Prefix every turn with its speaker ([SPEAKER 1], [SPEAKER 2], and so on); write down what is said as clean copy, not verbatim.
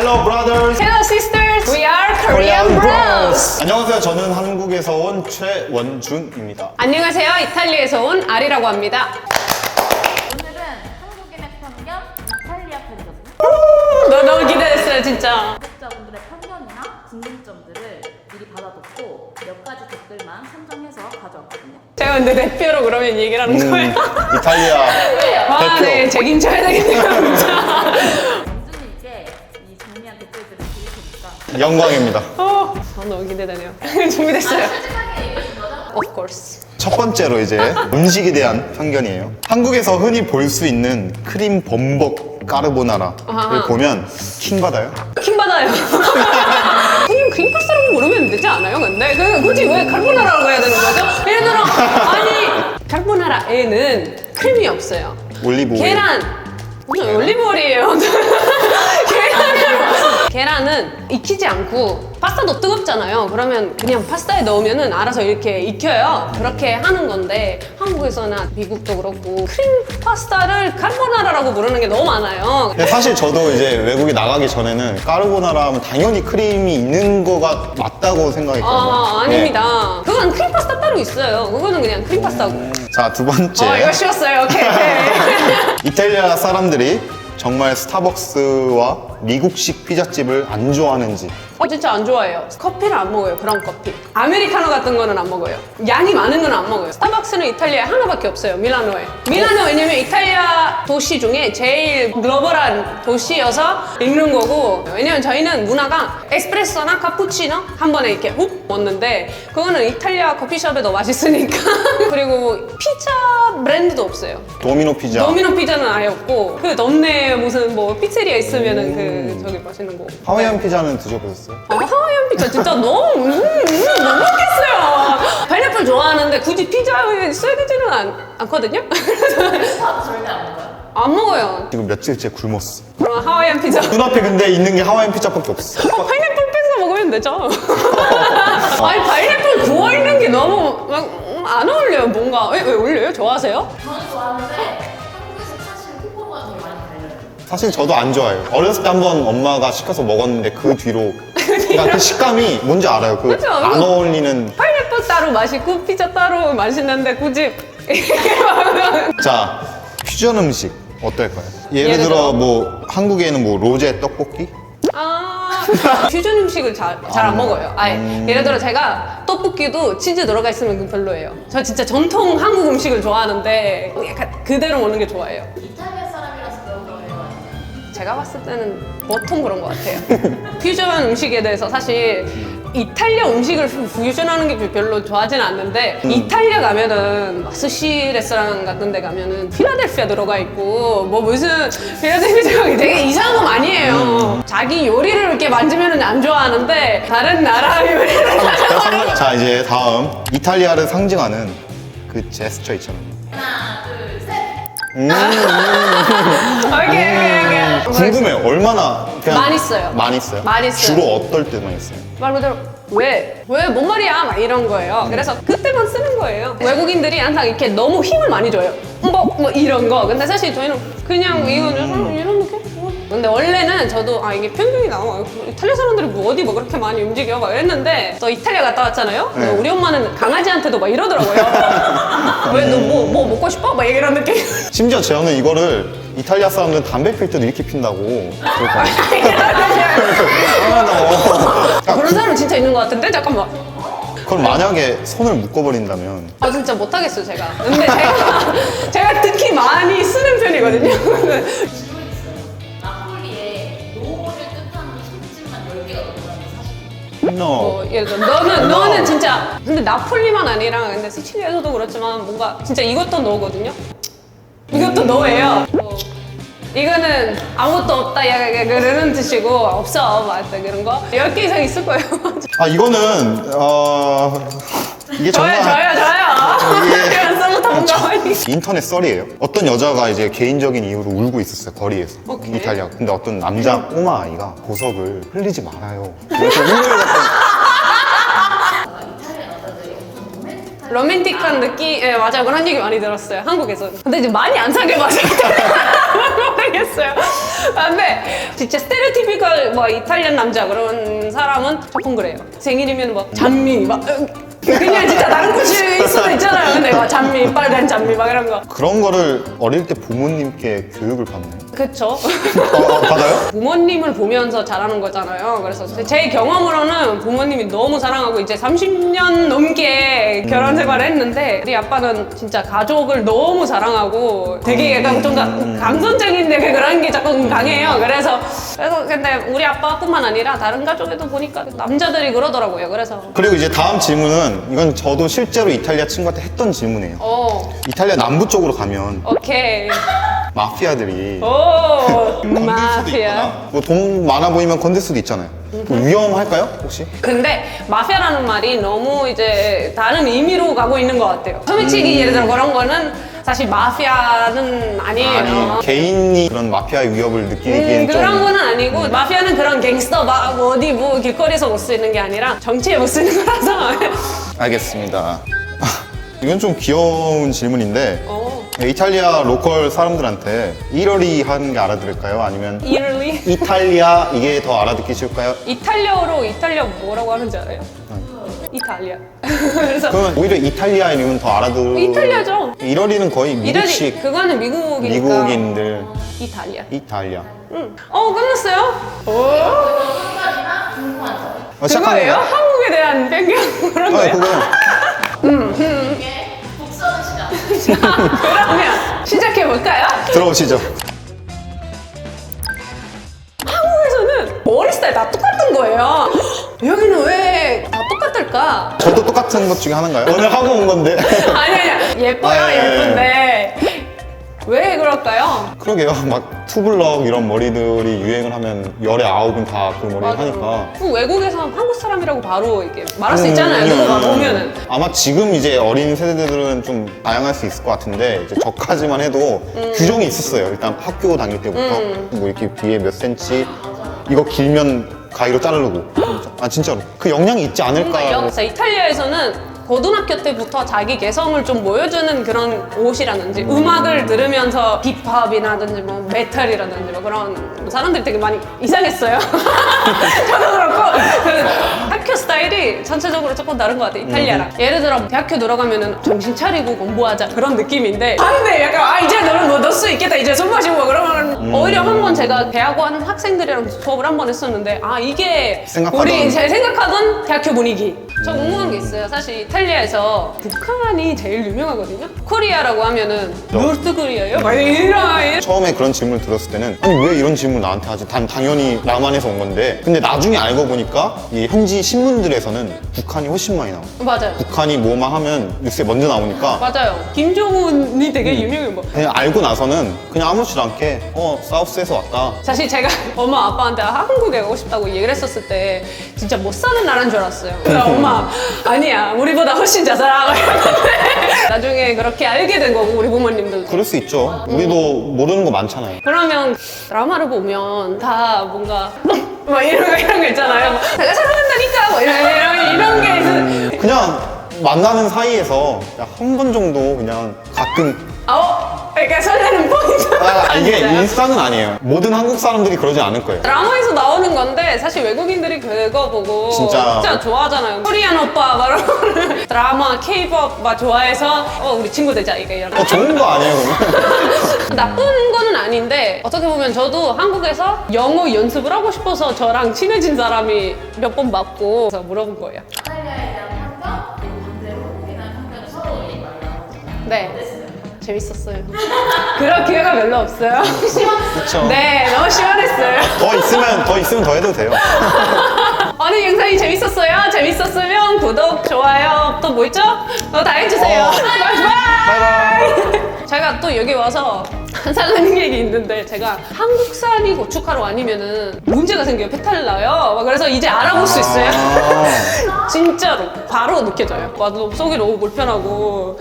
[SPEAKER 1] Hello brothers.
[SPEAKER 2] Hello sisters, we are Korean Bros.
[SPEAKER 1] 안녕하세요. 저는 한국에서 온 최원준입니다.
[SPEAKER 2] 안녕하세요, 이탈리아에서 온 아리라고 합니다.
[SPEAKER 3] 오늘은 한국인의 편견, 이탈리아 편이거든요.
[SPEAKER 2] 너무 기대됐어요, 진짜.
[SPEAKER 3] 구독자분들의 편견이나 궁금점들을 미리 받아뒀고 몇 가지 댓글만 선정해서 가져왔거든요.
[SPEAKER 2] 제가 근데 대표로 그러면 얘기를 하는 거예요.
[SPEAKER 1] 이탈리아
[SPEAKER 2] 와,
[SPEAKER 1] 대표.
[SPEAKER 2] 네, 책임져야 되겠네요, 진짜.
[SPEAKER 3] 원준이께 이 정리한 댓글들을 드릴 테니까
[SPEAKER 1] 영광입니다.
[SPEAKER 2] 너무 기대되네요. 준비됐어요.
[SPEAKER 3] 솔직하게 얘기해 준 거죠?
[SPEAKER 2] Of course.
[SPEAKER 1] 첫 번째로 이제 음식에 대한 편견이에요. 한국에서 흔히 볼 수 있는 크림 범벅 까르보나라를
[SPEAKER 2] 아하.
[SPEAKER 1] 보면 킹 받아요.
[SPEAKER 2] 킹 받아요. 그냥 크림 파스타라고 부르면 되지 않아요? 근데 굳이 왜 카르보나라라고 해야 되는 거죠? 예를 들어 아니 카르보나라에는 크림이 없어요.
[SPEAKER 1] 올리브 오일.
[SPEAKER 2] 계란 무슨 올리브오일이에요. 계란은 익히지 않고 파스타도 뜨겁잖아요. 그러면 그냥 파스타에 넣으면은 알아서 이렇게 익혀요. 그렇게 하는 건데 한국에서나 미국도 그렇고 크림 파스타를 카르보나라라고 부르는 게 너무 많아요.
[SPEAKER 1] 근데 사실 저도 이제 외국에 나가기 전에는 까르보나라 하면 당연히 크림이 있는 거가 맞다고 생각했거든요.
[SPEAKER 2] 아닙니다. 그건 크림 파스타 따로 있어요. 그거는 그냥 크림 파스타고.
[SPEAKER 1] 자, 두 번째.
[SPEAKER 2] 이거 쉬웠어요. 오케이.
[SPEAKER 1] 이탈리아 사람들이 정말 스타벅스와 미국식 피자집을 안 좋아하는지.
[SPEAKER 2] 진짜 안 좋아해요. 커피를 안 먹어요. 브라운 커피. 아메리카노 같은 거는 안 먹어요. 양이 많은 건 안 먹어요. 스타벅스는 이탈리아에 하나밖에 없어요. 밀라노에. 밀라노 왜냐면 이탈리아 도시 중에 제일 글로벌한 도시여서 읽는 거고, 왜냐면 저희는 문화가 에스프레소나 카푸치노 한 번에 이렇게 훅 먹는데 그거는 이탈리아 커피숍에 더 맛있으니까. 그리고 피자 브랜드도 없어요.
[SPEAKER 1] 도미노 피자.
[SPEAKER 2] 도미노 피자는 아예 없고 그 동네에 무슨 뭐 피체리아 있으면은 그 저기 맛있는 거.
[SPEAKER 1] 하와이안 피자는 드셔보셨어요?
[SPEAKER 2] 하와이안 피자 진짜 너무 먹겠어요. 파인애플 좋아하는데 굳이 피자에 써야 되지는 않거든요.
[SPEAKER 3] 파도 절대 안 먹어요.
[SPEAKER 2] 안 먹어요.
[SPEAKER 1] 지금 며칠째 굶었어.
[SPEAKER 2] 그럼 하와이안 피자.
[SPEAKER 1] 눈앞에 근데 있는 게 하와이안 피자밖에 없어.
[SPEAKER 2] 파인애플 빼서 먹으면 되죠. 아니 파인애플 구워 있는 게 너무 막 안 어울려요. 뭔가 왜 어울려요? 좋아하세요?
[SPEAKER 3] 저는 좋아하는데 한국에서 사실 호불호가 되게 많이 갈려요.
[SPEAKER 1] 사실 저도 안 좋아해요. 어렸을 때 한번 엄마가 시켜서 먹었는데 그 뒤로 그러니까 그 식감이 뭔지 알아요. 그
[SPEAKER 2] 그죠?
[SPEAKER 1] 안
[SPEAKER 2] 이거-
[SPEAKER 1] 어울리는.
[SPEAKER 2] 파인애플 따로 맛있고 피자 따로 맛있는데 굳이
[SPEAKER 1] 자, 퓨전 음식 어떨까요? 예를
[SPEAKER 2] 예를
[SPEAKER 1] 들어
[SPEAKER 2] 들어?
[SPEAKER 1] 뭐 한국에는 뭐 로제 떡볶이?
[SPEAKER 2] 퓨전 음식을 잘 안 먹어요. 아예. 예를 들어 제가 떡볶이도 치즈 들어가 있으면 그건 별로예요. 저 진짜 전통 한국 음식을 좋아하는데 약간 그대로 먹는 게 좋아해요.
[SPEAKER 3] 이탈리아 사람이라서 그런 거예요.
[SPEAKER 2] 제가 봤을 때는 보통 그런 것 같아요. 퓨전 음식에 대해서 사실 이탈리아 음식을 퓨전하는 게 별로 좋아하진 않는데 이탈리아 가면은 막 스시 레스토랑 같은 데 가면은 필라델피아 들어가 있고 뭐 무슨 필라델피아 되게 이상한 거 많이 해요. 자기 요리를 이렇게 만지면은 안 좋아하는데 다른 나라 요리를
[SPEAKER 1] 자, 이제 다음 이탈리아를 상징하는 그 제스처 있잖아요.
[SPEAKER 3] 하나, 둘, 셋.
[SPEAKER 2] 오케이.
[SPEAKER 1] 궁금해요. 얼마나 그냥
[SPEAKER 2] 많이 써요.
[SPEAKER 1] 많이 써요?
[SPEAKER 2] 많이 써요.
[SPEAKER 1] 주로 어떨 때 많이 써요?
[SPEAKER 2] 말 그대로 왜 뭔 말이야 막 이런 거예요. 그래서 그때만 쓰는 거예요. 외국인들이 항상 이렇게 너무 힘을 많이 줘요. 뭐 이런 거. 근데 사실 저희는 그냥 이거는 이런 느낌. 근데 원래는 저도 이게 편견이 나와. 이탈리아 사람들이 뭐 어디 뭐 그렇게 많이 움직여 막 이랬는데 또 이탈리아 갔다 왔잖아요.
[SPEAKER 1] 네.
[SPEAKER 2] 우리 엄마는 강아지한테도 막 이러더라고요. 왜 너 뭐 먹고 싶어? 막 이런 느낌.
[SPEAKER 1] 심지어 저는 이거를 이탈리아 사람들은 담배 필 때도 이렇게 핀다고
[SPEAKER 2] 그런 사람 진짜 있는 것 같은데 잠깐만.
[SPEAKER 1] 그럼 만약에 손을 묶어버린다면
[SPEAKER 2] 진짜 못하겠어요 제가. 근데 제가 특히 많이 쓰는 편이거든요.
[SPEAKER 3] 질문이 있어요. 나폴리에 노를 뜻하는 손짓만 10개가 넘는다는 사실.
[SPEAKER 1] no.
[SPEAKER 2] 예를 들어 너는 진짜 근데 나폴리만 아니라 근데 시칠리에서도 그렇지만 뭔가 진짜 이것도 너거든요. 이것도 너예요. 이거는 아무것도 없다 그러는 뜻이고 없어 막 그런 거 10개 이상 있을 거예요.
[SPEAKER 1] 이거는 이게 정말
[SPEAKER 2] 저요.
[SPEAKER 1] 이게
[SPEAKER 2] 이런 썰로 담가.
[SPEAKER 1] 인터넷 썰이에요. 어떤 여자가 이제 개인적인 이유로 울고 있었어요, 거리에서.
[SPEAKER 2] 오케이.
[SPEAKER 1] 이탈리아. 근데 어떤 남자 꼬마 아이가 보석을 흘리지 말아요. 그래서 울면서
[SPEAKER 3] 이탈리아 남자들이 엄청 로맨틱한
[SPEAKER 2] 로맨틱한 느낌, 예, 맞아요. 그런 얘기 많이 들었어요. 한국에서. 근데 이제 많이 안 사귀어봐서 모르겠어요. 근데 진짜 스테레오티피컬 뭐 이탈리안 남자 그런 사람은 조금 그래요. 생일이면 막 잔미 막 그냥 진짜 다른 곳일 수도 있잖아요. 근데 막 잔미, 빨간 잔미 막 이런 거.
[SPEAKER 1] 그런 거를 어릴 때 부모님께 교육을 받나요?
[SPEAKER 2] 그쵸?
[SPEAKER 1] 받아요?
[SPEAKER 2] 부모님을 보면서 자라는 거잖아요. 그래서 제 경험으로는 부모님이 너무 사랑하고 이제 30년 넘게 결혼 생활을 했는데 우리 아빠는 진짜 가족을 너무 사랑하고 되게 약간 좀 감성적인 되게 그런 게 조금 강해요. 그래서 근데 우리 아빠뿐만 아니라 다른 가족에도 보니까 남자들이 그러더라고요. 그래서
[SPEAKER 1] 그리고 이제 다음 질문은 이건 저도 실제로 이탈리아 친구한테 했던 질문이에요. 이탈리아 남부 쪽으로 가면
[SPEAKER 2] 오케이.
[SPEAKER 1] 마피아들이
[SPEAKER 2] 오,
[SPEAKER 1] 건들 수도
[SPEAKER 2] 마피아.
[SPEAKER 1] 있거나 뭐 돈 많아 보이면 건들 수도 있잖아요. 뭐 위험할까요 혹시?
[SPEAKER 2] 근데 마피아라는 말이 너무 이제 다른 의미로 가고 있는 것 같아요. 소매치기 예를 들어 그런 거는 사실 마피아는 아니에요.
[SPEAKER 1] 아니 개인이 그런 마피아의 위협을 느끼기엔 좀
[SPEAKER 2] 그런 거는 아니고 마피아는 그런 갱스터 막 어디 뭐 길거리에서 못 쓰는 게 아니라 정치에 못 쓰는 거라서.
[SPEAKER 1] 알겠습니다. 이건 좀 귀여운 질문인데 이탈리아 로컬 사람들한테 이러리 하는 게 알아들을까요? 아니면
[SPEAKER 2] 이럴리?
[SPEAKER 1] 이탈리아 이게 더 알아듣기 쉬울까요?
[SPEAKER 2] 이탈리아어로 이탈리아 뭐라고 하는지 알아요? 이탈리아. 그래서
[SPEAKER 1] 그러면 오히려 이탈리아 이름은 더 알아들...
[SPEAKER 2] 이탈리아죠.
[SPEAKER 1] 이러리는 거의
[SPEAKER 2] 이럴리
[SPEAKER 1] 미국식
[SPEAKER 2] 그거는 미국이니까.
[SPEAKER 1] 미국인들
[SPEAKER 2] 이탈리아.
[SPEAKER 1] 이탈리아
[SPEAKER 2] 끝났어요?
[SPEAKER 1] 시작하는
[SPEAKER 2] 그거예요?
[SPEAKER 1] 거야?
[SPEAKER 2] 한국에 대한 변경 그런 거예요?
[SPEAKER 1] 그거
[SPEAKER 3] 이게 복수하는 시간.
[SPEAKER 2] 그러면 시작해 볼까요?
[SPEAKER 1] 들어오시죠.
[SPEAKER 2] 한국에서는 머리 스타일 다 똑같은 거예요. 여기는 왜 다 똑같을까?
[SPEAKER 1] 저도 똑같은 것 중에 하나인가요? 오늘 하고 온 건데
[SPEAKER 2] 아니 예뻐요
[SPEAKER 1] 아, 예,
[SPEAKER 2] 예쁜데 왜 그럴까요?
[SPEAKER 1] 그러게요. 막 투블럭 이런 머리들이 유행을 하면 열의 9은 다 그 머리를 하니까
[SPEAKER 2] 그 외국에서 한국 사람이라고 바로 이렇게 말할 수 있잖아요. 누군가 보면은.
[SPEAKER 1] 아마 지금 이제 어린 세대들은 좀 다양할 수 있을 것 같은데 이제 저까지만 해도 규정이 있었어요. 일단 학교 다닐 때부터 뭐 이렇게 뒤에 몇 센치 이거 길면 가위로 자르고 아 진짜로 그 영향이 있지 않을까.
[SPEAKER 2] 진짜 이탈리아에서는 고등학교 때부터 자기 개성을 좀 보여주는 그런 옷이라든지 음악을 들으면서 힙합이라든지 뭐 메탈이라든지 뭐 그런 사람들이 되게 많이 이상했어요. 저도 그렇고 그 학교 스타일이 전체적으로 조금 다른 것 같아요. 이탈리아랑. 예를 들어 대학교 들어가면은 정신 차리고 공부하자 그런 느낌인데 근데 약간 이제 너는 뭐 넣을 수 있겠다 이제 손 마시고 뭐 그러면 오히려 한 번 제가 대학원 학생들이랑 수업을 한 번 했었는데 이게 우리 제 생각하던 대학교 분위기. 저 궁금한 게 있어요. 사실 이탈리아에서 북한이 제일 유명하거든요. 코리아라고 하면은 노르트 코리아요? 막 이런
[SPEAKER 1] 처음에 그런 질문을 들었을 때는 아니 왜 이런 질문 나한테 하지? 당연히 남한에서 온 건데 근데 나중에 알고 보니까 이 현지 신문들에서는 북한이 훨씬 많이 나와요.
[SPEAKER 2] 맞아요.
[SPEAKER 1] 북한이 뭐만 하면 뉴스에 먼저 나오니까
[SPEAKER 2] 맞아요. 김정은이 되게 유명해요. 뭐.
[SPEAKER 1] 그냥 알고 나서는 그냥 아무렇지도 않게 사우스에서 왔다.
[SPEAKER 2] 사실 제가 엄마 아빠한테 한국에 가고 싶다고 얘기를 했었을 때 진짜 못 사는 나라인 줄 알았어요. 그래서 엄마 아니야 우리보다 훨씬 잘 살아. 나중에 그렇게 알게 된 거고 우리 부모님들도.
[SPEAKER 1] 그럴 수 있죠. 우리도 모르는 거 많잖아요.
[SPEAKER 2] 그러면 드라마를 보면 다 뭔가 막 이런 거 있잖아요. 막 내가 사랑한다니까 뭐 이런 게
[SPEAKER 1] 그냥 만나는 사이에서 한 번 정도 그냥 가끔
[SPEAKER 2] 그러니까 설레는 포인트.
[SPEAKER 1] 이게
[SPEAKER 2] 진짜요?
[SPEAKER 1] 일상은 아니에요. 모든 한국 사람들이 그러지 않을 거예요.
[SPEAKER 2] 드라마에서 나오는 건데 사실 외국인들이 그거 보고
[SPEAKER 1] 진짜
[SPEAKER 2] 좋아하잖아요. 코리안 오빠 막 이런 드라마, 케이팝 막 좋아해서 우리 친구 되자 이런.
[SPEAKER 1] 좋은 거 아니에요, 그러면?
[SPEAKER 2] 나쁜 거는 아닌데 어떻게 보면 저도 한국에서 영어 연습을 하고 싶어서 저랑 친해진 사람이 몇 번 맞고 그래서 물어본 거예요.
[SPEAKER 3] 이탈리아에 대한 편견 그리고 반대로 한국에 대한 편견을 서로 얘기하려고.
[SPEAKER 2] 네. 재밌었어요. 그런 기회가 별로 없어요.
[SPEAKER 1] 그쵸.
[SPEAKER 2] 네, 너무 시원했어요.
[SPEAKER 1] 더 있으면 더 해도 돼요.
[SPEAKER 2] 오늘 영상이 재밌었어요? 재밌었으면 구독, 좋아요, 또 뭐 있죠? 다 해주세요. 바이바이! 제가 또 여기 와서 항상 하는 얘기 있는데 제가 한국산이 고춧가루 아니면은 문제가 생겨요. 배탈 나요. 그래서 이제 알아볼 수 있어요. 진짜로 바로 느껴져요. 속이 너무 불편하고